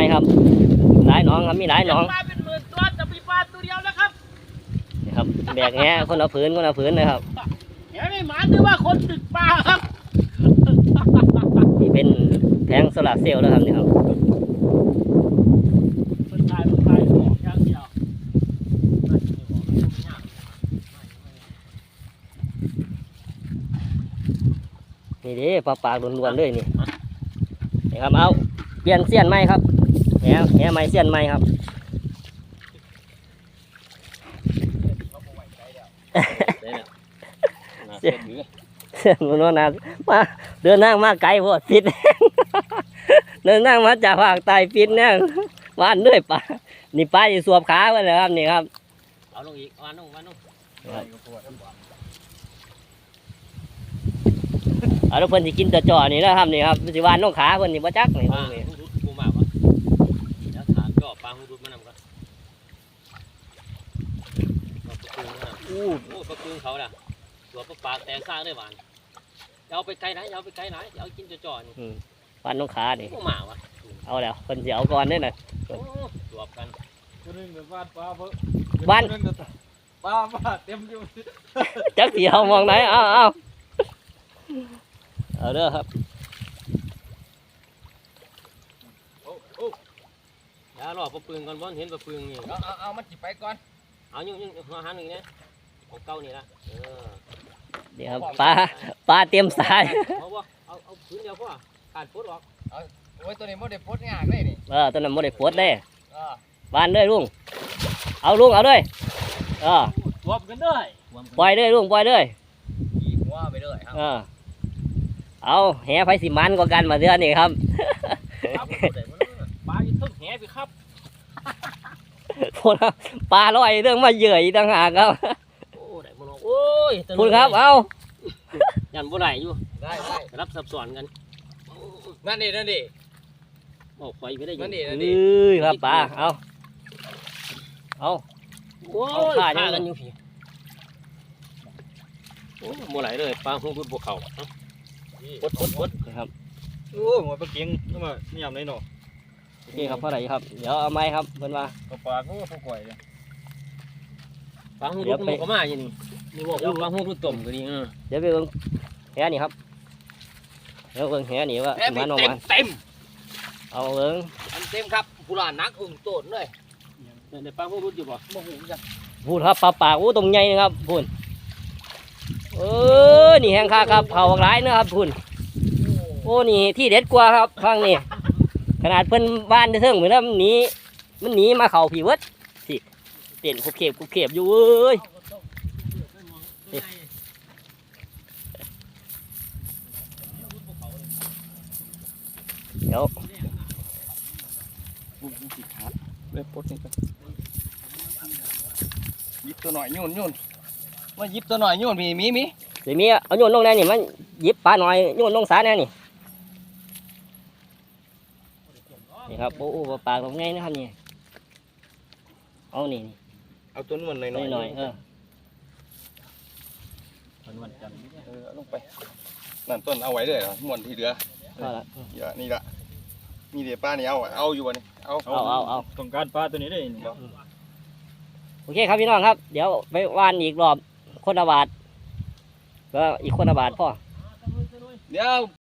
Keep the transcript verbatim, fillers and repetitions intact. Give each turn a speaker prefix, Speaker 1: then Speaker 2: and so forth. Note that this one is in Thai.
Speaker 1: ครับหลายน้องครับมีหลายน้อง
Speaker 2: ปลาเป็นหมื่นตัวจะมีปลาตัวเดียวแล้วครับ
Speaker 1: นี่ครับแบกแหคนเอาผืนคนเอาผืนเลยครับ
Speaker 2: เดี๋ยวนี่หมาถือว่าคนตึกปลาครับ
Speaker 1: นี่เป็นแผงโซลาร์เซลล์แล้วครับนี่ครับ
Speaker 2: มันตายมันตายบอกอย่างเดียว
Speaker 1: นี่ดิปลาปากล้วนๆเลยนี่นี่ครับเอาเปลี่ยนเสี้ยนไหมครับแหแหไม้เสี้ยนไหมครับ เสี้ยนมันว่านามาเดินนั่งมาไกลพอดปิด เดินนั่งมาจากภาคใต้ปิดเนี่ยว่านด้วยปลานี่ปลาจะสวบขาไปเลยครับนี่ครับ
Speaker 2: เอาลงอีกวานลงวานลง
Speaker 1: เอาลูกเพิ่นสิกินตัวจ่อนี่นะครับนี่ครับสิวานน้องขาเพิ่นนี่บ่จักนี่
Speaker 2: ปลา
Speaker 1: นี่
Speaker 2: หูรุดกูมาวะเดี๋ยวถามก็ปลาหูรุดมานำกันอู้โอ้ปลาคืนเขาน่ะตัวปลาปากแตกซ่าได้หวานเอาไปไกลไหนเอาไปไกลไหนเอากินจ่อๆนี่
Speaker 1: วานน้องขานี่
Speaker 2: กูมาวะ
Speaker 1: เอาแล้วเพิ่นสิเอาก่อนเด้อน่ะ
Speaker 2: โอ้สวบกัน
Speaker 3: ตัวนึงกับวาดปลาเพิ่
Speaker 1: วาน
Speaker 3: ปลาปลาเต็มอยู่
Speaker 1: จักสิเอามองไหนเอาเอาเอาเด้อครับ
Speaker 2: โอ้โอ้เดี๋ยวรอปลาปืนก่อนบ่เห็นปลาปืนนี่
Speaker 3: เอาเอาเอามันจิไปก่อน
Speaker 2: เอายุ่งยุ่งหัวหันหนึ่งเนี่ยของเก่านี่ละเออ
Speaker 1: เดี๋ยวปลาปลาเตรียมสาย
Speaker 2: เอาบ่เอาเอาปืนเดียวพ่อขาดพุทธหรอก
Speaker 3: โอ้ยตัวนี้มันได้พดงากเลยนี่
Speaker 1: เออตัวนั้นบ่ได้ปวดเด้
Speaker 3: เออ
Speaker 1: วานเลยลุงเอาลุงเอาเลยเออ
Speaker 2: รวมกันด้วย
Speaker 1: ปล่อยเลยลุงปล่อยเลย
Speaker 3: ขี่หัวไปเลยครับ
Speaker 1: เออเอาแหไผสิมันกว่ากันมาเดือนนี่ครับ
Speaker 2: ครับปลาอยู่ทึ่งแหไปครับ
Speaker 1: พูดครับปลาลอยเรื่องมาเหยื่ออีกต่างหากครับ
Speaker 2: โอ้ได้บ่เนาะโอ้ย
Speaker 1: พูดครับเอา
Speaker 2: ยันบ่ได้อยู่
Speaker 3: ได้ได้
Speaker 2: รับซับซ้อนกัน
Speaker 3: นั่นดินั่นดิ
Speaker 2: โอ้ไฟไปได้อยู่
Speaker 3: นั่นดิ
Speaker 1: เอ้ยครับปลาเอาเอา
Speaker 2: โอ้
Speaker 1: เอา
Speaker 2: ย
Speaker 1: ขา
Speaker 2: ขา
Speaker 1: ยัง
Speaker 2: กันอยู่พี่โอ้บ่ไหลเลยปลาหูรุดบ่เข้าปดปดปด
Speaker 1: นะครับ
Speaker 3: โอ้ยหัวปลาเก่งนี่มานี่ยำเลยเนาะ
Speaker 1: โอเคครับเท่าไหร่ครับเดี๋ยวเอาไม้ครับเพิ่นว่า
Speaker 3: ปลาปลาก็พวกก่อยเลย
Speaker 2: ปลาหูรุดมันก็มาอยู่นี่นี่บอกว่าปลาหูรุดต้มก็ดีเออ
Speaker 1: เดี๋ยวไปเบิ่งแหนี่ครับเดี๋ยวเบิ่งแหนี่ว่าสิมันออก
Speaker 3: เต็ม
Speaker 1: มา
Speaker 3: เต็ม
Speaker 1: เอาเบิ่ง
Speaker 3: เต็มครับผู้หลานนักอึ่งโตนเลย
Speaker 2: ได้ปลาหูรุดอยู่บ่
Speaker 3: โมโหจัง
Speaker 1: พูดครับปลาปากโอ้ตรงใหญ่นะครับพูดเออนี่แห้งค่าครับเผาหลายนะครับพูดโอ้นี่ที่เด็ดกว่าครับฟังนี่ขนาดเพิ่นบ้านเทิงเหมือนมันหนีมันหนีมาเข่าผีเวิดสิเต้นคุบเข็บคุบเข็บอยู่เอ้ยเดี๋ยว
Speaker 3: เล็บปดนี่กันยิบตัวหน่อยโยนโยนมายิบตัวหน่อยโยนมีมีมี
Speaker 1: เดี๋ยวมีเอาโยนลงแน่นี่มันหยิบปลาหน่อยโยนลงสาแน่นี่นี่ครับโอ้โหปลาปากตรงไงนะครับนี่เอานี่
Speaker 3: เอาตัวนู้นหน่อย
Speaker 1: หน่อยหน่อยเออ
Speaker 3: วันจันทร์เออลงไปนั่นต้นเอาไว้เลยเหรอม้วนที่เหลือ
Speaker 1: เอาละ
Speaker 3: เยอะนี่ละมีเดี๋ยวป้านี่เอาเอาอยู่วะนี่เอา
Speaker 1: เอาเอาเอา
Speaker 3: ต้องการปลาตัวนี้ได้
Speaker 1: โอเคครับพี่น้องครับ เดี๋ยวไปว่านอีกรอบคนละบาทก็อีกคนละบาทพ่อ
Speaker 3: เดี๋ยว